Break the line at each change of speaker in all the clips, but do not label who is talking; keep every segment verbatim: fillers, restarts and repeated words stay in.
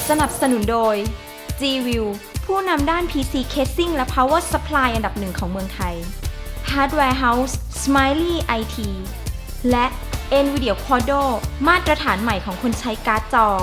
สนับสนุนโดย G-View ผู้นำด้าน พี ซี Casing และ Power Supply อันดับหนึ่งของเมืองไทย Hardware House Smiley ไอ ที และ NVIDIA Quadro มาตรฐานใหม่ของคนใช้การ์ดจอ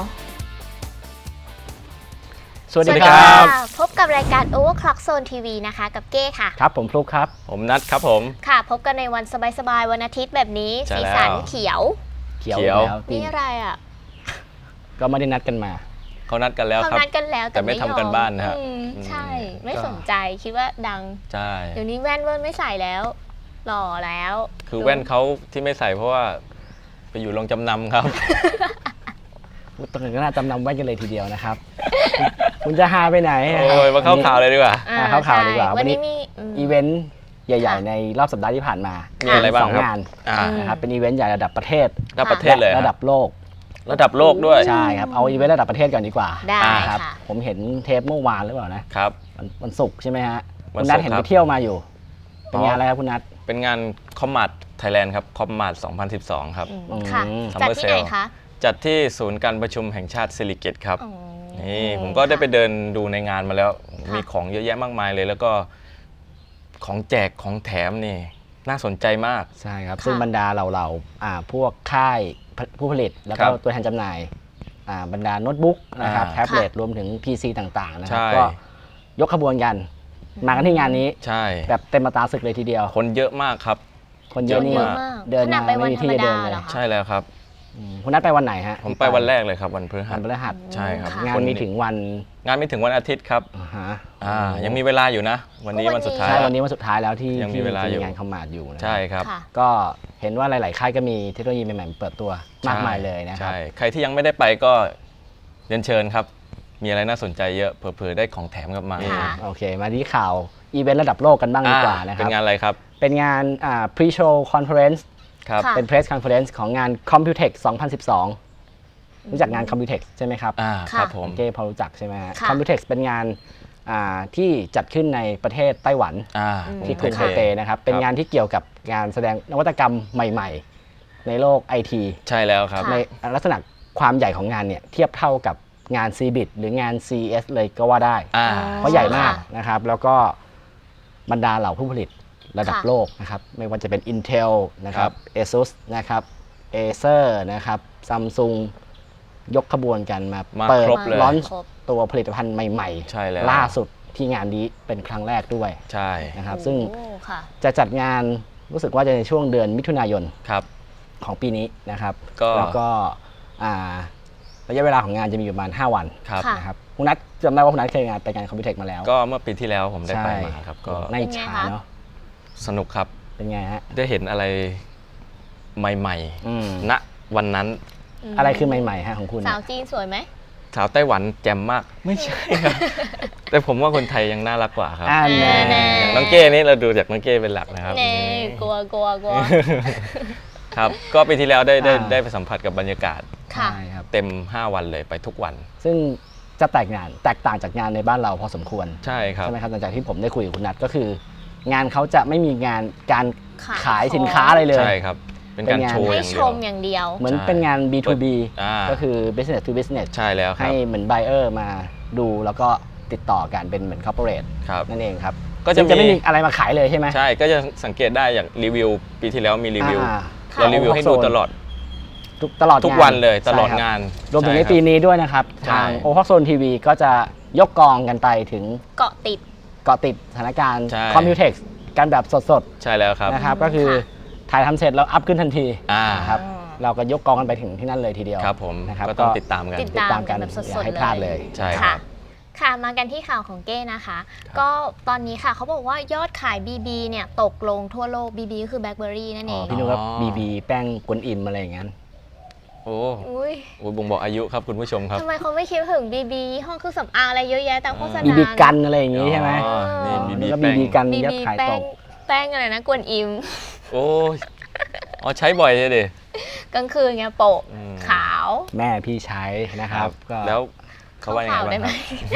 สวัสดีครับ
พบกับรายการ Overclock Zone ที วี นะคะกับเก้ค่ะ
ครับผมฟลุ๊กครับ
ผมนัทครับผม
ค่ะพบกันในวันสบายๆวันอาทิตย์แบบนี้สีสันเขียว
เขียวแล้ว
นี่อะไรอ่ะ
ก็ไม่ได้นัดกันมา
เขานัดกันแล้วครับ
เขานัดกันแล้ว
แต่ไม่ทำกันบ้านนะครับ
ใช่ไม่สนใจคิดว่าดัง
ใช่
เดี๋ยวนี้แว่นเว่นไม่ใส่แล้วหล่อแล้ว
คือแว่นเขาที่ไม่ใส่เพราะว่าไปอยู่โรงจำนำครับ
ต้องก็น่าจำนำแว่นกันเลยทีเดียวนะครับคุณจะหาไปไหน
โอ้ยมาเข้าข่าวเลยดีกว่า
เข้าข่าวดีกว่าวันนี้มีอีเวนต์ใหญ่ๆในรอบสัปดาห์ที่ผ่านมา
มีอะไรบ้างครับ
สองงานนะครับเป็นอีเวนต์ใหญ่ระดับประเทศ
ระดับประเทศเลย
ระดับโลก
ระดับโลกด้วย
ใช่ครับเอาอีเวนต์ระดับประเทศก่อนดีกว่า
ได้
ครับผมเห็นเทปเมื่อวานหรือเปล่านะครับวันศุกร์ใช่ไหมฮะคุณนัทเห็นไปเที่ยวมาอยู่เป็นงานอะไรครับคุณนัท
เป็นงานคอมมาร์ทไทยแลนด์ครับคอมมาร์ทสองพันสิบสองครับ
ค่ะจัดที่ไหนคะ
จัดที่ศูนย์การประชุมแห่งชาติสิริกิติ์ครับนี่ผมก็ได้ไปเดินดูในงานมาแล้วมีของเยอะแยะมากมายเลยแล้วก็ของแจกของแถมนี่น่าสนใจมาก
ใช่ครับซึ่งบรรดาเหล่าๆพวกค่ายผู้ผลิตแล้วก็ตัวแทนจำหน่ายบรรดาโน้ตบุ๊กนะครับแท็บเล็ตรวมถึง พี ซี ต่างๆนะครับก็ยกขบวนกันมากันที่งานนี้
ใช่
แบบเต็มมาตาศึกเลยทีเดียว
คนเยอะมากครับ
คนเยอะนี่เดินมาไม่มีที่จะเดินเลย
ใช่แล้วครับ
คุณนัดไปวันไหนฮะ
ผมไปวันแรกเลยครับวันพฤหัส
วันพฤหัส
ใช่ครับ
งานมีถึงวัน
งานมีถึงวันอาทิตย์ครับอ่ายังมีเวลาอยู่นะวันนี้วันสุดท้าย
ใช่วันนี้วันสุดท้ายแล้วที่
ยังมีเวลาอยู่
งานคอมมาร์ทอยู่
ใช่ครับ
ก็เห็นว่าหลายๆค่ายก็มีเทคโนโลยีใหม่ๆเปิดตัวมากมายเลยนะครับ
ใช่ใครที่ยังไม่ได้ไปก็เรียนเชิญครับมีอะไรน่าสนใจเยอะเผื่อๆได้ของแถมกลับมา
โอเคมาที่ข่าวอีเวนต์ระดับโลกกันบ้างดีกว่านะครับ
เป็นงานอะไรครับ
เป็นงานอ่า Pre-show Conference เป็น Press Conference ของงาน Computex สองพันสิบสองรู้จักงาน Computex ใช่ไหมครับ
อ่าครับผม
เก้พอรู้จักใช่ไหมฮะ Computex เป็นงานที่จัดขึ้นในประเทศไต้หวันที่กรุงไทเปนะครับเป็นงานที่เกี่ยวกับงานแสดงนวัตกรรมใหม่ๆในโลก ไอ ที
ใช่แล้วครับ
ในลักษณะความใหญ่ของงานเนี่ยเทียบเท่ากับงาน ซี บิต หรืองาน ซี อี เอส เลยก็ว่าได้เพราะใหญ่มากนะครับแล้วก็บรรดาเหล่าผู้ผลิตระดับโลกนะครับไม่ว่าจะเป็น Intel นะครับ ASUS นะครับ Acer นะครับ Samsung ยกขบวนกันมาเปิดลอนช์ตัวผลิตภัณฑ์ใหม่ๆล่าสุดที่งานนี้เป็นครั้งแรกด้วย
ใช่
นะครับซึ่งจะจัดงานรู้สึกว่าจะในช่วงเดือนมิถุนายนของปีนี้นะครับแล้วก็ระยะเวลาของงานจะมีอยู่ประมาณห้าวันนะครับคุณนัทจำได้ว่าคุณนัทเคยงานไปงาน Computex มาแล้ว
ก็เมื่อปีที่แล้วผมได้ไปมาครับก็
ในฉาเนาะ
สนุกครับ
เป็นไงฮะ
ได้เห็นอะไรใหม่ๆณวันนั้น
อะไรคือใหม่ๆฮะของคุณ
สาวจีนสวยไหม
สาวไต้หวันแจ่มมากไม่ใช่ครับแต่ผมว่าคนไทยยังน่ารักกว่าครับอย่างน้องเก้นี่เราดูจากน้องเก้เป็นหลักนะครับ
กลัวกลัวกลัว
ครับก็ปีที่แล้วได้ได้ได้ไปสัมผัสกับบรรยากาศ
ค่ะ
เต็มห้าวันเลยไปทุกวัน
ซึ่งจะแตกงานแตกต่างจากงานในบ้านเราพอสมควร
ใช่ครับ
ใช่ไหมครับหลังจากที่ผมได้คุยกับคุณนัทก็คืองานเขาจะไม่มีงานการขายสินค้าอะไรเลย
ใช่ครับเป็นการโชว์
อย่างเดียวอย่างเดียว
เหมือนเป็นงาน บี ทู บี ก็คือ business to business
ใช่แล้วครับ
ให้เหมือน buyer มาดูแล้วก็ติดต่อกันเป็นเหมือน corporate นั่นเองครับก็จะไม่มีอะไรมาขายเลยใช่ไหม
ใช่ก็จะสังเกตได้อย่างรีวิวปีที่แล้วมีรีวิวเรารีวิวให้ดูตลอด
ตลอด
ทุกวันเลยตลอดงาน
รวมถึงในปีนี้ด้วยนะครับทาง Overclock Zone ที วี ก็จะยกกองกันไปถึง
เกาะติด
เกาะติดสถานการณ์ Computex กันแบบสด
ๆใช่แล้วครับ
นะครับก็คือถ่ายทำเสร็จแล้วอัพขึ้นทันทีนะครับเราก็ยกกองกันไปถึงที่นั่นเลยทีเดียว
ครับผมนะครับก็ต้องติดตามกัน
ติดตามกัน
อย่าให้พลาดเลย
ใช่ครับ
ค่ะมากันที่ข่าวของเก้นะคะก็ตอนนี้ค่ะเขาบอกว่ายอดขาย บี บี เนี่ยตกลงทั่วโลก บี บี ก็คือ BlackBerry นั่นเอง
พี่นุ๊กครับ บี บี แป้งกวนอิมอะไรอย่างนั้น
โอ้โหบ่งบอกอายุครับคุณผู้ชมครับ
ทำไมเขาไม่คิดถึง บี บี ห้องเครื่องสำอางอะไรเยอะแยะตามโฆษณา
บี บี กันอะไรอย่างนี้ใช่ไหม
นี่บี
บี บี กันยอดขายตก
แป้งอะไรนะกวนอิม
โอ้อ๋อใช้บ่อยเลยดิ
กลางคืนไงโปะขาว
แม่พี่ใช้นะครับ
แล้วเขาว่าอย่างไรบ้าง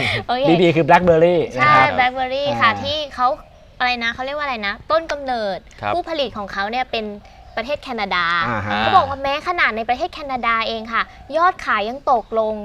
บี บี คือ BlackBerry
ใช่ BlackBerry ค่ะที่เขาอะไรนะเขาเรียกว่าอะไรนะต้นกำเนิดผู้ผลิตของเขาเนี่ยเป็นประเทศแคนาดาเขาบอกว่าแม้ขนาดในประเทศแคนาดาเองค่ะยอดขายยังตกลง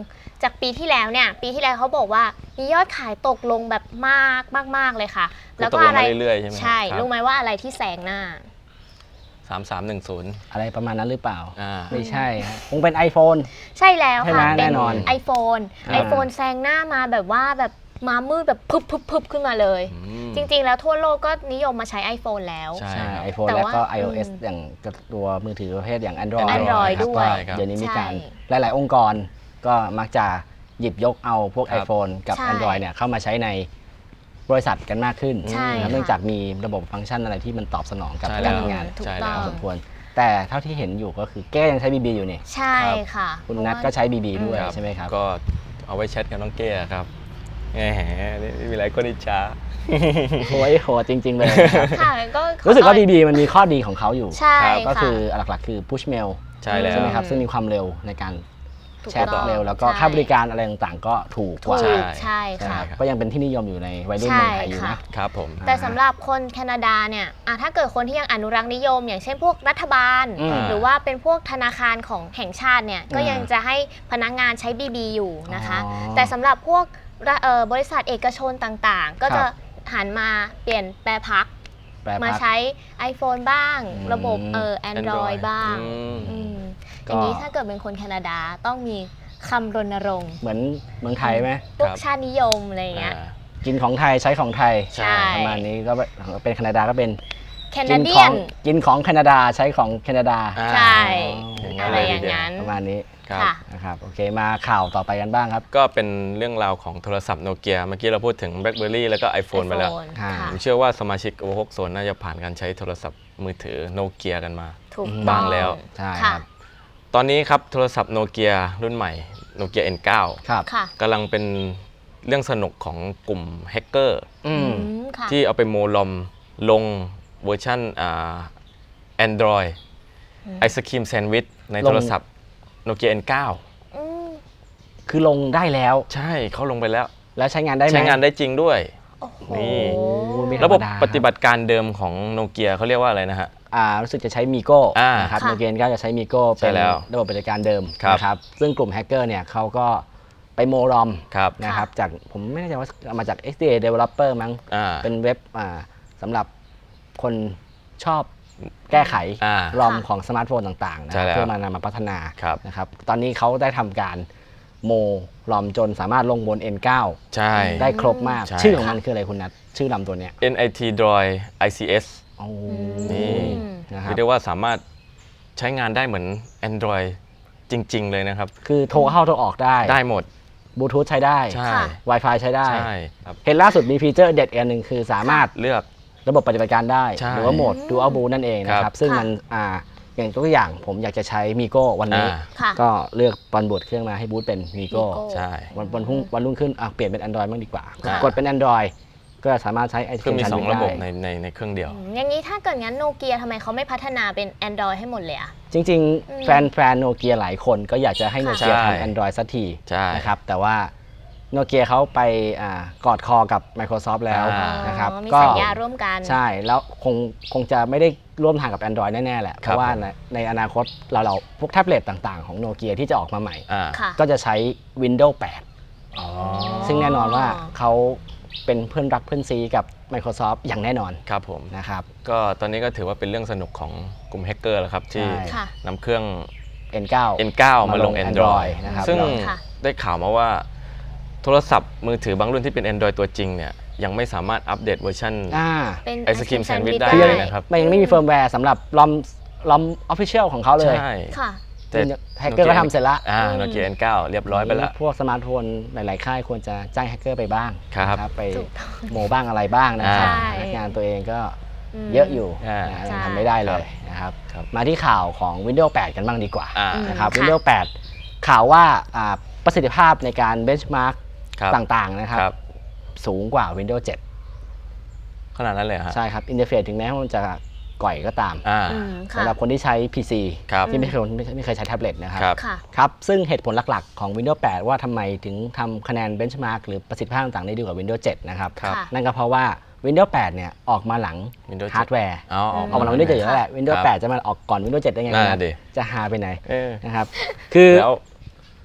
จากปีที่แล้วเนี่ยปีที่แล้วเขาบอกว่ามียอดขายตกลงแบบมากมากๆเลยค่ะ แล้วก็อะไร
ตกลงมาเรื่อยๆใช่ไหม
ใช่
ครับ
รู้ไหมว่าอะไรที่แซงหน้า
สามสามหนึ่งศูนย์
อะไรประมาณนั้นหรือเปล่า
อ่า
ไม่ใช่ฮะคงเป็น iPhone
ใช่แล้ว
ใช่ไหม
ค่ะ
แน่นอน
ไอโฟน
อ่า
ไอโฟนแซงหน้ามาแบบว่าแบบมามืดแบบพึบพึบพึบขึ้นมาเลย
อืม
จริงๆ แล้วทั่วโลกก็นิยมมาใช้ iPhone แล้ว
ใช่
ใช่
ครับ
iPhone
แต่
แล้ว
ว่า
ก็ iOS
อืม
อย่างตัวมือถือประเภทอย่าง Android
Android
นะครับ
ด้วย
ก็เดี๋ยวนี้มีการ
ใช่
หลาย ๆ องค์กรก็มักจะหยิบยกเอาพวก
ครับ
iPhone กับ
ใช่
Android เนี่ยเข้ามาใช้ในบริษัทกันมากขึ้น
ใช่
นะครับ
ค่ะ
เนื่องจากมีระบบฟังก์ชันอะไรที่มันตอบสนองกับ
ใช่
การ
แล้ว
ทำงาน
ถูก
ใช่
ต้
แล้
อ
ว
ง
สมควร แต่เท่าที่เห็นอยู่ก็คือแก้ยังใช้ บี บี อยู่นี่
ใช่ค่ะ
คุณ
เพราะ
นัท
ว่า
ก็ใช้ บี บี ด้วย
ครับ
ใช่ไหมครับ
ก็เอาไว้แชทกับน้องเก้ครับแหมนี่มีหลายคนอิจฉา
โอ้ยโหดจริง ๆ เลยนะครับ
ค่ะก็ขอ
รู้สึกว่า
ต้
บี
อน
บี มันมีข้อดีของเขาอยู่
ใช่
ก็
ค่ะ
คือหลัก ๆ คือ push mail
ใช่แล้ว
ใช่ไหมครับ ซึ่งมีความเร็วในการ
ถูก
แชท
ต้อง
เร็ว แล้วก็
ใช่
ค่าบริการอะไรต่างๆ ก็ถูกก
ถู
ว่า
ก
ใช่
ใช่
ใช่
ค่ะ
ครับก็ยังเป็นที่นิยมอยู่ในวัยรุ่น
ใช่
เมืองไทยอยู่
ค่ะ
นะครับ
ผม
แต่สำหรับคนแคนาดาเนี่ยอ่ะถ้าเกิดคนที่ยังอนุรักษ์นิยม อย่างเช่นพวกรัฐบาล
อืม
หรือว่าเป็นพวกธนาคารของแห่งชาติเนี่ยก็
อ่ายั
ยังจะให้พนักงานใช้ บี บี อยู่นะคะ
อ๋อ
แต่สำหรับพวกระเอ่อบริษัทเอกชนต่างๆ ก็
ครั
จะ
บ
หันมาเปลี่ยนแปรพัก
แปล
มา
พัก
ใช้ iPhone บ้าง
อืม
ระบบเอ่อ Android บ้าง
อืม
อืม
ก็
อย่างนี้ถ้าเกิดเป็นคนแคนาดาต้องมีคำรณรงค์
เหมือนเมืองไทยไหม
พวก
ครับ
ชาตินิยมอะไรอย่างเงี้ย
อ่า
กินของไทยใช้ของไทย
ใช่
ประมาณนี้ก็เป็นแคนาดาก็เป็น
แค
กิ
นาเดี
ข
ย
อง
น
กินของแคนาดาใช้ของแคนาดา
อ่า
ใช่
อย่างนั้น
อะไร
เลย
อ
ที
ย่าง
เดียว
นั้น
ประมาณนี้
ครับ
ค่ะ
นะครับโอเคมาข่าวต่อไปกันบ้างครับ
ก็เป็นเรื่องราวของโทรศัพท์โนเกียเมื่อกี้เราพูดถึง BlackBerry แล้วก็ iPhone ไปแล้ว
iPhone
อ่า
ค่ะ
ผมเชื่อว่าสมาชิกโอหกโซนน่าจะผ่านการใช้โทรศัพท์มือถือโนเกียกันมา
ถูก
บ้า
ต้อง
แล้ว
ใช่ค
ค่ะ
รับ
ตอนนี้ครับโทรศัพท์โนเกียรุ่นใหม่โนเกีย เอ็น ไนน์
ครับ
ค่ะ
กำลังเป็นเรื่องสนุกของกลุ่มแฮกเกอร์
อืม
อืมค่ะ
ที่เอาไปโมลอมลงเวอร์ชันอ่า Android ไอศครีมแซนด์วิชในโทรศัพท์โนเกีย เอ็น ไนน์
อืม
คือลงได้แล้ว
ใช่เขาลงไปแล้ว
แล้วใช้งานได้ไหม
ใช้งานได้จริงด้วย
โอ้โห
นี่
โอ้ไม่ธ
ระบบ
รรมดา
ปฏิบัติการเดิมของโนเกียเขาเรียกว่าอะไรนะฮะ
อ่ารู้สึกจะใช้มีโก้
อ่า
นะครับ
ค่ะ
โนเกียก็จะใช้มีโก้
ใช่
เป็น
แล้ว
ระบบปฏิบัติการเดิม
ครับ
นะครับซึ่งกลุ่มแฮกเกอร์เนี่ยเขาก็ไปโมรอม
ครับ
นะครับจากผมไม่แน่ใจว่าเอามาจาก เอ็กซ์ ดี เอ Developer มั้ง
อ่า
เป็นเว็บอ่าสำหรับคนชอบแก้ไข
อ่าร
อม
ค่ะ
ของสมาร์ทโฟนต่างๆนะค
ใช่
รับ
แล้ว
เพื่อมานำมาพัฒนา
ครับ
นะครับตอนนี้เขาได้ทำการโมรอมจนสามารถลงบน เอ็น ไนน์
ใช่
ได้ครบมาก
ใช่
ชื่อของมันคืออะไรคุณนัทชื่อลำตัวเนี้ย
เอ็น ไอ ที Droid ไอ ซี เอส
โอ้
นี่
นะครับ
เรียกได้ว่าสามารถใช้งานได้เหมือน Android จริง ๆ เลยนะครับ
คือโทรเข้าโทรออกได้
ได้หมด
บลูทูธใช้ได้
ใช่
ค่ะ
Wi-Fi ใช้ได้
ใช่ครับ
เห็นล่าสุดมีฟีเจอร์เด็ดอีกอันหนึ่งคือสามารถ
เลือก
ระบบปฏิบัติการได้
ใช่
หรือว่าโหมด Dual Boot นั่นเองนะค
ครั
รับ
บ
ซึ่ง
ค่ะ
มันอ่าอย่างตัวอย่างผมอยากจะใช้มีโก้วันนี้
อ่า
ค่ะ
ก็เลือกตอนบูตเครื่องมาให้บูตเป็นมีโก้
Migo
ใช่
วันวันพรุ่งวันรุ่งขึ้นอ่ะเปลี่ยนเป็น Android บ้างดีกว่า
อ่าก
กดเป็น Android ก็สามารถใช้ไอ
คือมี
ชัน
สอง
ได้
ระบบในในในเครื่องเดียว
อืมอย่างนี้ถ้าเกิดงั้นโนเกียทำไมเขาไม่พัฒนาเป็น Android ให้หมดเลยอะ
จริง
อืม
ๆ แฟนแฟนโนเกียหลายคนก็อยากจะให้โน
ค่ะ
เกีย
ใช่
ทำ Android สักที
ใช่
นะครับแต่ว่าโนเกียเขาไปอ่ากอดคอกับ Microsoft แล้ว
อ่า
นะครับ
อ๋อมี
ก็
สัญญาร่วมกัน
ใช่แล้วคงคงจะไม่ได้ร่วมทางกับ Android แน่ ๆ แหละ เพ
ครับ
ราะว่า
ผม
ในในอนาคตเราเราพวกแท็บเล็ตต่าง ๆ ของโนเกียที่จะออกมาใหม่
อ่า
ค่ะ
ก็จะใช้ Windows แปด
อ๋อ
ซึ่งแน่นอนว่าเขาเป็นเพื่อนรักเพื่อนซีกับ Microsoft อย่างแน่นอน
ครับผม
นะครับ
ก็ตอนนี้ก็ถือว่าเป็นเรื่องสนุกของกลุ่มแฮกเกอร์แล้วครับ ที่
ใช่
ค่ะ
นำเครื่อง
เอ็น ไนน์
เอ็น ไนน์ มาลง
มาลง
Android
Android นะครับ
ซึ่ง
ค่ะ
ได้ข่าวมาว่าโทรศัพท์มือถือบางรุ่นที่เป็น Android ตัวจริงเนี่ยยังไม่สามารถอัปเดตเวอร์ชัน
อ่า
เป็น
ไอศกรีมแซนด์วิชได้
คือ
เล
ยัง
ยนะครับ
มันยังไม่มีเฟิร์มแวร์สำหรับลอมลอมออฟฟิเชียลของเขาเลย
ใช่
ค่ะ
แต่
แฮกเกอร์ก็ทำเสร็จละ
อ่าโนเกีย เอ็น ไนน์ เรียบร้อยไปแล้ว
พวกสมาร์ทโฟนหลาย ๆ ค่ายควรจะจ้างแฮกเกอร์ไปบ้าง
ครับ
นะไป
ถูกต้อง
โมบ้างอะไรบ้างนะครับ
ใช่
พนักงานตัวเองก็
ม
เยอะอยู่
อ่า
นะ
ใช่
ยังทำไม่ได้เลยนะครับ
ครับ
มาที่ข่าวของ Windows แปด กันบ้างดีกว่า
อ่า
นะครับ
ค่ะ
Windows แปด ข่าวว่าอ่าประสิทธิภาพในการเบนช์มาร์ก
ครับ
ต่าง ๆ นะครับ
ครับ
สูงกว่า Windows เจ็ด
ขนาดนั้นเลยเหรอฮะ
ใช่ครับอินเทอร์เฟซถึงแม้ว่ามันจะก่อยก็ตาม
อ่า
อืมค่ะ
สำหรับคนที่ใช้ พี ซี
ครับ
ที่ไม่เคยไม่เคยไม่เคยใช้แท็บเล็ตนะครับ
ครับ
ค่ะ
ครับ ซึ่งเหตุผลหลัก ๆ ของ Windows แปด ว่าทำไมถึงทำคะแนนเบนช์มาร์กหรือประสิทธิภาพต่างๆได้ดีกว่า Windows เจ็ด นะครับ
ครับ
ค่ะ
นั่นก็เพราะว่า Windows แปด เนี่ยออกมาหลัง
Windows
ฮาร์ดแวร์
อ๋อ
ออกมาหลัง Windows เจ็ดอยู่แล้วแหละ Windows
ครับ
แปด จะมาออกก่อน Windows เจ็ด ได้ไง
นั่น
ครั
น่ะ
บ
ดิ
จะหาไปไหน
เออ
นะครับ คือ
แล้ว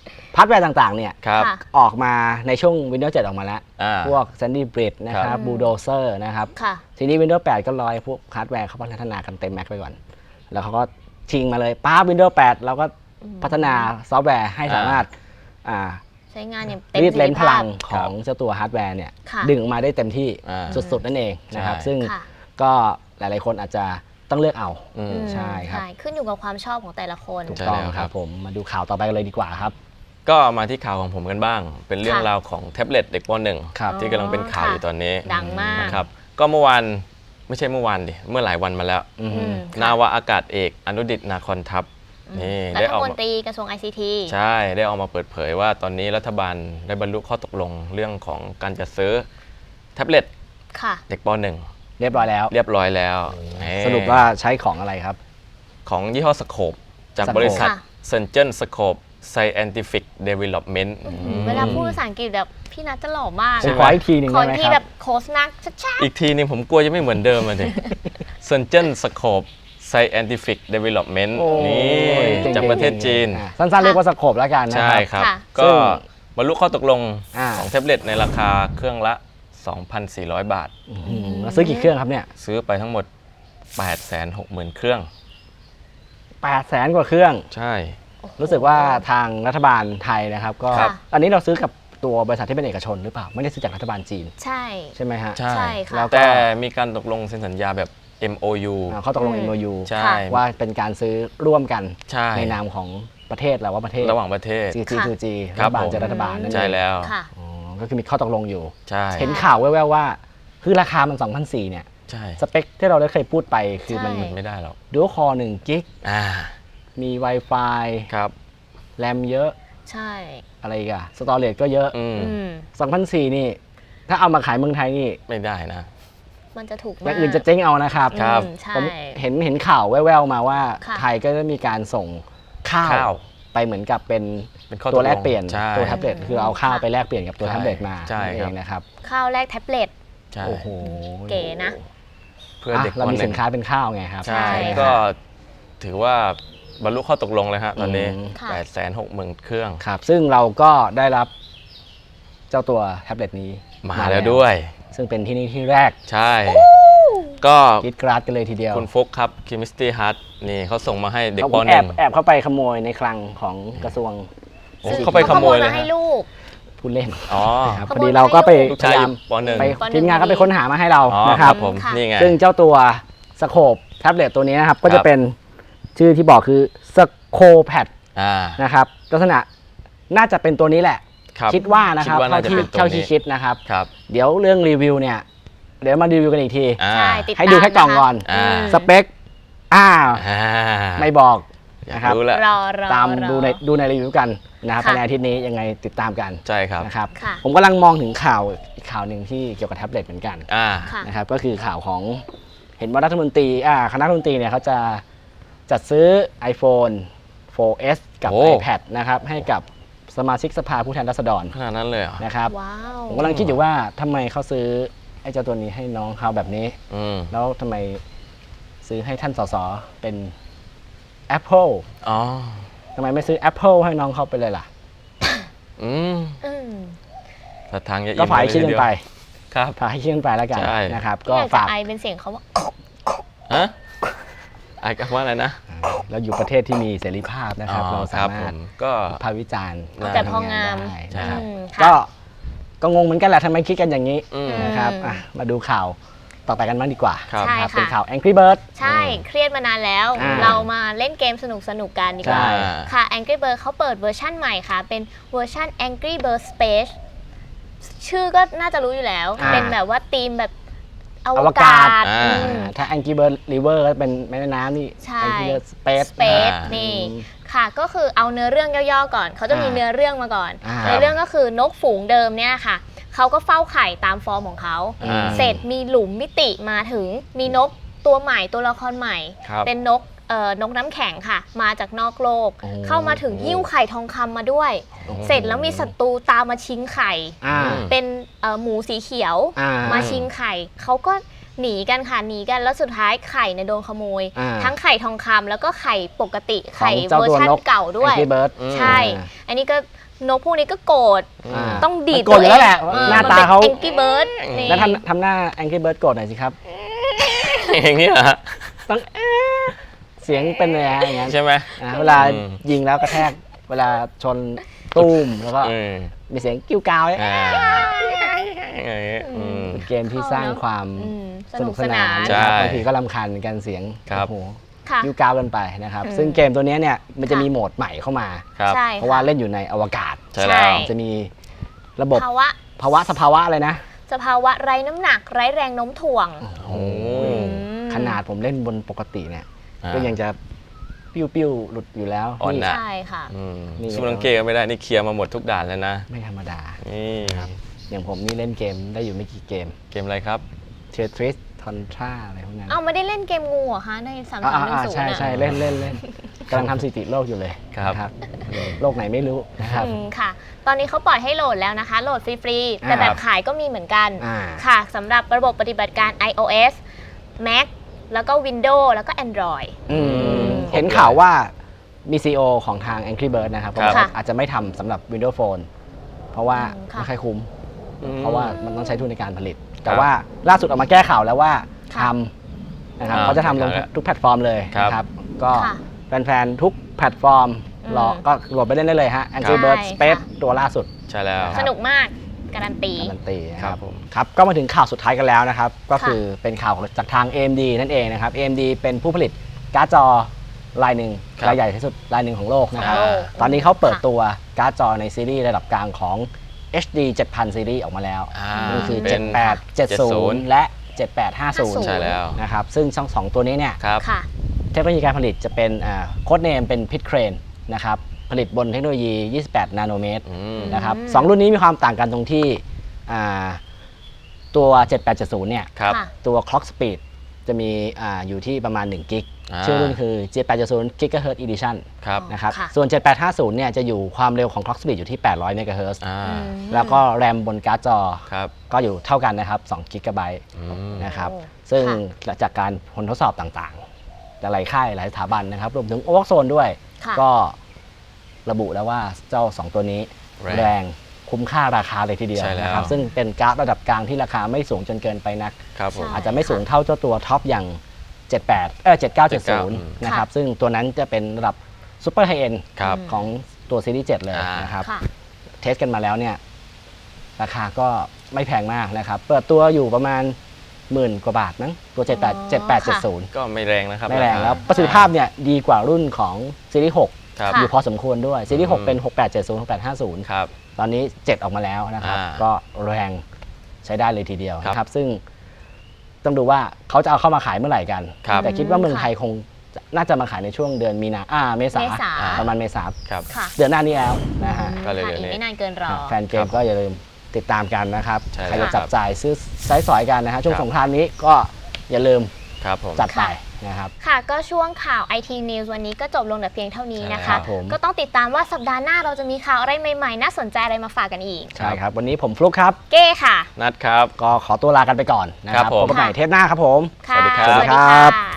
ฮาร์ดแวร์ต่างๆเนี่ย
ครับ
ค่ะ
ออกมาในช่วง Windows เจ็ด ออกมาแล้ว
อ่า
พวก Sandy Bridge นะค
ครั
รับ
บ
Bulldozer นะครับ
ค่ะ
ทีนี้ Windows แปด ก็ลอยพวกฮาร์ดแวร์เขาพัฒนากันเต็มแม็กไปก่อน แล้วเขาก็ชิงมาเลยป้า Windows แปด เราก็พัฒนาซอฟต์แวร์ให้สามารถอ่า
ใช้งานอย่างเต็ม
รี
ป
ด
ระสิ
เล้
ท
น
ธิ
พ
ภา
ลั
พ
งของเจ้าตัวฮาร์ดแวร์เนี่ย
ค่ะ
ดึงออกมาได้เต็มที่
อ่า
สุดๆ นั่นเองนะครับ
ใช่
ซึ่ง
ค่ะ
ก็หลายๆคนอาจจะต้องเลือกเอา
อืม
อืม
ใช่ครับ
ขึ้นอยู่กับความชอบของแต่ละคน
ถูก
ใช่
ต้อง
แล้ว
ค
ครั
รับบ ผมมาดูข่าวต่อไปกันเลยดีกว่าครับ
ก็มาที่ข่าวของผมกันบ้าง เป็นเรื่อง
ค่ะ
ราวของแท็บเล็ตเด็กป .หนึ่ง
ครับ
ที่กำลังเป็นข่าว
ค่ะ
อยู่ตอนนี้
ดังมาก
นะครับ ก็เมื่อวานไม่ใช่เมื่อวานดิ เมื่อหลายวันมาแล้ว
อืม
อืม
นาวาอากาศเอกอนุดิตนาคอนทัพนี่
รั
ได้
ฐ
ออก
ม
มา
นตรีกระทรวง ไอ ซี ที
ใช่ได้ออกมาเปิดเผยว่าตอนนี้รัฐบาลได้บรรลุข้อตกลงเรื่องของการจัดซื้อแท็บเล็ต
ค่ะ
เด็กป .หนึ่ง
เรียบร้อยแล้ว
เรียบร้อยแล้ว
สรุปว่าใช้ของอะไรครับ
ของยี่ห้อสโคปจาก
Scope
บริษัท
ค่ะ
เซนเจนสโคป Scientific Development
เวลาพูดภาษาอังกฤษแบบพี่นัทจะหล่อมาก
ผม
อะ
ขออีกทีหนึ่ง
ค
ได้
น
ไหม
ที่
ค
แบ
รับบ
โค้ชนักชัด
อีกทีนึงผมกลัวจะไม่เหมือนเดิมเลย เซนเจนสโคป Scientific Development
โอ้
นี่
เจ๋งๆ
จากประเทศจีน
อ่ะสั้นๆ เรียกว่าสโคปแล้วกันนะ
ใช่
ครับ
ครับ
ค่ะ
ก็
ซึ่ง
บรรลุข้อตกลง
อ่า
ของแท็บเล็ตในราคาเครื่องละ สองพันสี่ร้อย บาท
อืมแล้วซื้อกี่เครื่องครับเนี่ย
ซื้อไปทั้งหมด แปดแสนหกหมื่น เครื่อง
แปดแสนกว่าเครื่อง
ใช่
ๆ
รู้สึกว่าทางรัฐบาลไทยนะครับ ก็
ครับ
อันนี้เราซื้อกับตัวบริษัทที่เป็นเอกชนหรือเปล่า ไม่ได้ซื้อจากรัฐบาลจีน
ใช่
ใช่ไหมฮะ
ใช่
ใช่ค่ะ
แล้วก็
แต่มีการตกลงเซ็นสัญญาแบบ เอ็ม โอ ยู
อ่าเขาตกลง
อืม
เอ็ม โอ ยู
ใช่
ค่ะ
ว่าเป็นการซื้อร่วมกัน
ใช่
ในนามของประเทศเราว่าประเทศ
ระหว่างประเทศ
จี จี
ค่ะ
ทู จี
ค
รั
รั
ฐ
บบ
าล
ผม
เจอรัฐบาลนั่นเอง
ใช่แล้ว
ค่ะ
อ๋อก็คือมีข้อตกลงอยู่
ใช่
เห็นข่าวแว่วๆว่า คือราคามัน สองพันสี่ร้อย เนี่ย
ใช่
สเปคที่เราได้เคยพูดไปคือมัน
ใช่
ไม่ได้หรอก
ดูคอหนึ่งกิก
อ่า
มี Wi-Fi
ครับ
แรมเยอะ
ใช่
อะไรอีกอะสตอเรจก็เยอะ
อืม
อืม
สองพันสี่ร้อย นี่ ถ้าเอามาขายเมืองไทยนี่
ไม่ได้นะ
มันจะถูก
อ
มา
ย่าก งอื่นจะเจ๊งเอานะครับ
ครับ
อืมใช่
ผมเห็นเห็นข่าวแว่วๆมาว่า
ค่ะ
ไทยก็จะมีการส่งข้า
ข้าว
ว ไปเหมือนกับเป็น
เป็นข้อ
ตัว
ตก
แล
ล
ก
ง
เปลี่ยน
ใช่
ตัวแท็บเล็ตคือเอาข้าว
ค่ะ
ไปแลกเปลี่ยนกับตัว
ใช่
แท็บเล็ตมา
ใช่
นั่นเอ
ครับ
งนะครับ
ข้าวแรกแท็บเล็ต
ใช่
โอ้โห
เก๋นะ
เพื่อ
อ่ะ
เด็ก
เรา
ป
มี
หนึ่
สิ
ง
นค้าเป็นข้าวไงครับ
ใช่
ใช่
ก็ถือว่าบรรลุข้อตกลงเลยฮะตอนนี้
อืม
ค่ะ
แปดแสนหกหมื่น เครื่อง
ครับ ซึ่งเราก็ได้รับเจ้าตัวแท็บเล็ตนี้
มาแล้วด้วย
ซึ่งเป็นที่นี่ที่แรก
ใช่ ก็
กรีดกราดกันเลยทีเดียว
คุณฟุกครับ Chemistry Hut นี่เขาส่งมาให้เด็ก
เขา
ป
ผม
ห
แอ
นึ่
บ
ง
แอบเข้าไปขโมยในคลังของกระทรวง
โอ้เข้าไปขโมยเลย
มาให้
ฮะ
ลูก
ผู้เล่น
อ๋อ
นะครับ
ข
พ
โม
อย ดี
มา
เราก็ไป
ลูก
พ
ชาย
ยา
อ
ยาม
ยู่ปหนึ่ง
ไป
ปหนึ่ง
ทีมงานก็ไปค้นหามาให้เรา
อ๋อ
นะค
ค
รั
รับ บผม
ค่ะ
นี่ไง
ซึ่งเจ้าตัวสโคปแท็บเล็ตตัวนี้นะครับ ก็
ครั
จะ
บ
เป็นชื่อที่บอกคือสโคแพด
อ่า
นะครับลักษณะน่าจะเป็นตัวนี้แหละ
ครับ
คิดว่านะครับ
คิดว่า
เท่า
น่าจะ
ที่
เป็นตัว
เท่าที่
นี้
คิดนะครับ
ครับ
เดี๋ยวเรื่องรีวิวเนี่ย เดี๋ยวมารีวิวกันอีกที
อ่า
ใช่ติด
ให้ดูแค่กล่องก่อน
อ่า
อืม
สเปคอ้าว
อ่า
ไม่บอก
อยาก
นะครับ
รู้แหละ
รอรอ
ตาม
รอ
ดูในดูในรีวิวกันนะครับ
ค่ะ
ภายในอาทิตย์นี้ยังไงติดตามกัน
ใช่ครับ
นะครับ
ค่ะ
ผมกำลังมองถึงข่าวอีกข่าวหนึ่งที่เกี่ยวกับแท็บเล็ตเหมือนกัน
อ่า
ค่ะ
นะครับก็คือข่าวของเห็นว่ารัฐมนตรีอ่าคณะรัฐมนตรีเนี่ยเขาจะจัดซื้อ iPhone โฟร์ เอส กับ
โอ้
iPad นะครับให้กับสมาชิกสภาผู้แทนราษฎร
ขนาดนั้นเลยเหรอ
นะครับ
ว้าว
ผมกำลังคิดอยู่ว่าทำไมเขาซื้อไอ้เจ้าตัวนี้ให้น้องเขาแบบนี้
อืม
แล้วทำไมซื้อให้ท่านสสเป็น Apple
อ๋อ
ทำไมไม่ซื้อ Apple ให้น้องเขาไปเลยล่ะ
อืม
อืม
ถ้าทางจะ
ก็ฝ่ายให้คิดกันไป
ครับ
ฝ่ายให้คิดกันไปแล้วกัน
ใช่
นะครับ
ก็
ก็
อยากจะ
ฝาก
ไอเป็นเสียงเขาว่า
ฮะไอ้ว่าอะไรนะ
เราอยู่ประเทศที่มีเสรีภาพนะครับ
อ๋อ
เรา
ค
สา
รับ
มารถ
ผมก็
ภาควิจารณ์
น่า
แต่พองาม
ได้
ใช่
นะครับ
อืม
ก็
ค่ะ
ก็งงเหมือนกันแหละทำไมคิดกันอย่างนี้
อืม
นะครับอ่ะมาดูข่าวต่อไปกันบ้างดีกว่า
ครับ
ใช่
นะครับ
ค่ะ
เป็นข่าว Angry Bird
ใช่ เครียดมานานแล้ว
อ่า
เรามาเล่นเกมสนุกสนุกๆกันดีกว่า
ใช่
ค่ะ Angry Bird เขาเปิดเวอร์ชั่นใหม่ค่ะ เป็นเวอร์ชั่น Angry Bird Space ชื่อก็น่าจะรู้อยู่แล้ว
อ่า
เป็นแบบว่าธีมแบบอ
อ
ว
ว
กาก
า
ศ
ศ
อ่า
อืม
ถ้า Angry Bird River ก็เป็นแม่น้ำนี่
ใช่
Angry Bird Space
Space
อ่านี่
นี่ค่ะก็คือเอาเนื้อเรื่องย่อๆก่อน เขาจะมี
อ่า
เนื้อเรื่องมาก่อน
อ่า
ในเรื่องก็คือนกฝูงเดิมเนี่ยค่ะเขาก็เฝ้าไข่ตามฟอร์มของเขา
อ่า
เสร็จมีหลุมมิติมาถึงมีนกตัวใหม่ตัวละครใหม่
ครับ
เป็นนกเอ่อนกน้ำแข็งค่ะ มาจากนอกโลก
โอ้
เข้ามาถึงหิ้วไข่ทองคำมาด้วย เสร็จแล้วมีศัตรูตามมาชิงไข่
อ่า
เป็นเอ่อหมูสีเขียว
อ่า
มาชิงไข่เขาก็หนีกันค่ะหนีกันแล้วสุดท้ายไข่เนี่ยโดนขโมย
อ่า
ทั้งไข่ทองคำแล้วก็ไข่ปกติ
ของ
ไข่
เจ้า
เวอร์
ตัว
ชัน
นก
เก่าด้วย
Angry Bird
ใช่ อันนี้ก็นกพวกนี้ก็โกรธ
อ่า
ต้องดีด
มันโกรธอยู่แล้วแหละ
เออ
หน้าตาเขา
แองกี้เบิร์ด
แล้วทำทำหน้า Angry Bird โกรธหน่อยสิครับ
อย่างนี้เหรอฮะ
ต้องเอ๊ะเสียงเป็นเลยนะอย่างนั้น
ใช่ไหม
อ่าเวลา
อืม
ยิงแล้วกระแทกเวลาชนตุ้มแล้วก็
อืม
มีเสียงกิ้วกาวเนี่ย
อ่าอย่างนี้อืม
เป็นเกมที่สร้างความ
อืมส
ส
นุ
นุ
ก
ก
ส
ส
นาน
าน
น
ใช่
นะครับบางทีก็รำคาญกันเสียง
ครับ
โอ้โห
ค่ะ
กิ้วกาวกันไปนะครับ
อืม
ซึ่งเกมตัวเนี้ยเนี่ยมันจะ
ค่ะ
มีโหมดใหม่เข้ามา
ครับ
ใช่
เพราะว่าเล่นอยู่ในอวกาศ
ใช่แล้ว
จะมีระบบ
ภาวะ
ภาวะสภาวะอะไรนะ
สภาวะไร้น้ำหนักไร้แรงโน้มถ่วง
โอ้
ม
ขนาดผมเล่นบนปกติเนี่ย
อ่า
ก็ยังจะปิ้วปิ้วๆหลุดอยู่แล้ว
อ่อน
นี่
นะ
ใช่ค่ะ
อืม
นี่
สู้นังเกก็ไม่ได้นี่เคลียร์มาหมดทุกด่านแล้วนะ
ไม่ธรรมดา
นี่
อย่างผมนี่เล่นเกมได้อยู่ไม่กี่เกม
เกมอะไรครับ
เททริสทอนทราอะไรพวกนั้น
เอาไม่ได้เล่นเกมงูเหรอคะในสาม
อ่า
สามหนึ่ง
อ่า
ศูนย์
ใช่ใช่เล่นเล่นเล่นกำลังทำสถิติโลกอยู่เลย
ครับ
นะโลกไหนไม่รู้นะครับ
ค่ะ ตอนนี้เขาปล่อยให้โหลดแล้วนะคะ โหลดฟรีๆ แต่
อ่า
แบบขายก็มีเหมือนกัน
อ่า
ค่ะสำหรับระบบปฏิบัติการ iOS Mac แล้วก็ Windows แล้วก็ Android
อืม
ม
เห็นข่าวว่ามี ซี อี โอ ของทาง Angry Bird นะครับ
ครับ
เขาบอกว่าอาจจะไม่ทำสำหรับ Windows Phone เพราะว่า
อืมค่ะ
ไม่ค่อยคุ้ม
อืม
เพราะว่ามันต้องใช้ทุนในการผลิต แต่
ครับ
ว่าล่าสุดออกมาแก้ข่าวแล้วว่าท
ค่ะ
ำนะครับ
อ่า
เขาจะทำลง
ครับ
ทุกแพลตฟอร์มเลย
ครับ
นะครับ ก็
ค่ะ
แฟนๆทุกแพลตฟอร์ม
อืม
รอก็โหลดไปเล่นได้เลยฮะ Angry
ใช่
Bird
ค่ะ
Space ตัวล่าสุด
ใช่แล้ว
ครับ
สนุกมาก การันตี
การันตีนะค
ครั
รับบ
ผม
ครับก็มาถึงข่าวสุดท้ายกันแล้วนะครับ ก็
ค่ะ
คือเป็นข่าวจากทาง เอ เอ็ม ดี นั่นเองนะครับ เอ เอ็ม ดี เป็นผู้ผลิตการ์ดจอรายหนึ่ง
ครับ
รายใหญ่ที่สุดรายหนึ่งของโลกนะครับ
โอ้
ตอนนี้เขาเปิด
ค่ะ
ตัวการ์ดจอในซีรีส์ระดับกลางของ เอช ดี เจ็ดพัน ซีรีส์ออกมาแล้ว
อ่า
นั่นคือ
เป็
เจ็ด
น
แปด เจ็ดศูนย์ และ เจ็ดแปดห้าศูนย์
ห้าศูนย์
ใช่แล้ว
นะครับซึ่งทั้งสองตัวนี้เนี่ย
ครับ
ค่ะ
เทคโนโลยีการผลิตจะเป็นโค้ดเนมเป็นพิทเครนนะครับผลิตบนเทคโนโลยี ยี่สิบแปด นาโนเมตร
อืม
นะครับ
อืม
สองรุ่นนี้มีความต่างกันตรงที่อ่าตัว เจ็ดแปดเจ็ดศูนย์ เนี่ย
ครับ
ค่ะ
ตัว clock speed จะมีอาอยู่ที่ประมาณหนึ่งกิก
อ่า
ชื่อรุ่นคือ เจ็ดแปดเจ็ดศูนย์ Gigahertz Edition
ครับ
นะครับ
ค่ะ
ส่วน เจ็ดแปดห้าศูนย์ เนี่ยจะอยู่ความเร็วของ clock speed อยู่ที่ แปดร้อย เมกะเฮิรตซ์
อ่า
อืม
แล้วก็แรมบนการ์ดจอ
ครับ
ก็อยู่เท่ากันนะครับสองกิกะไบต์
อืม
นะครับ
โอ้
ซึ่ง
ค่ะ
จากการผลทดสอบต่างๆ หลายค่ายหลายสถาบันนะครับรวมถึง o อ z o n e ด้วย
ค่ะ
ก็ระบุแล้วว่าเจ้า สอง ตัวนี้
แรง
แรงคุ้มค่าราคาเลยทีเดียว
ใช่แล้ว
นะครับซึ่งเป็นการ์ดระดับกลางที่ราคาไม่สูงจนเกินไปนัก
ครับผม
ใช่
อาจจะไม่สูงเท่าเจ้าตัวท็อปอย่าง เจ็ดแปด เออเจ็ดเก้าเจ็ดศูนย์
อืม
นะครับซึ่งตัวนั้นจะเป็นระดับซูเปอร์ไฮเอ็น
ครับ
ของตัวซีรีส์เจ็ดเลย
อ่าน
นะครับ
ค่ะ
เทสกันมาแล้วเนี่ยราคาก็ไม่แพงมากนะครับ เปิดตัวอยู่ประมาณหมื่นกว่าบาทมั้งตัว เจ็ดแปด
อ๋อ
เจ็ดแปดเจ็ดศูนย์
ก็ไม่แรงนะครับ
ไม่แรง
าคา
แล้วประสิทธิภาพเนี่ยดีกว่ารุ่นของซีรีส์หก
ครับ
อยู่พอสมควรด้วยซีรีส์หก
อืม
เป็นหกแปดเจ็ดศูนย์ หกแปดห้าศูนย์
ครับ
ตอนนี้เจ็ดออกมาแล้วนะครับ
อ่า
ก็แรงใช้ได้เลยทีเดียว
ครับ
นะครับ ซึ่งต้องดูว่าเขาจะเอาเข้ามาขายเมื่อไหร่กัน
ครับ
แต่คิดว่าเมือง
ค่ะ
ไทยคงจะน่าจะมาขายในช่วงเดือนมีนาอ่าเมษา
เมษา
ประมาณเมษา
ครับ
ค่ะ
เดือนหน้านี้แล้วนะฮะ
ก็เลย
ค่ะ
เดี๋ยวนี้
อีกไม่นานเกินรอ
แฟนเกมก็อย่าลืมติดตามกันนะครับ
ใช่
ใคร
แล้
จะ
ว
จับจ่ายซื้อใช้สอยกันนะฮะช่วง
ครับ
สงกรานต์นี้ก็อย่าลืม
ครับผม
จัดไป
ค่ะ
นะครับ
ค่ะก็ช่วงข่าว ไอ ที News วันนี้ก็จบลงแต่เพียงเท่านี้นะ
ใช่ครั
คะ
บ
ผม
ก็ต้องติดตามว่าสัปดาห์หน้าเราจะมีข่าวอะไรใหม่ๆ น่าสนใจอะไรมาฝากกันอีก
ใช่ครับ วันนี้ผมฟลุกครับ
เก้ค่ะ
นัดครับ
ก็ขอตัวลากันไปก่อนนะค
ครั
รับบ
ผม
พบกันใหม่เทปหน้าครับผม
ค่ะ
สวัสดีครับ
สวัสดีครับ
ค่ะ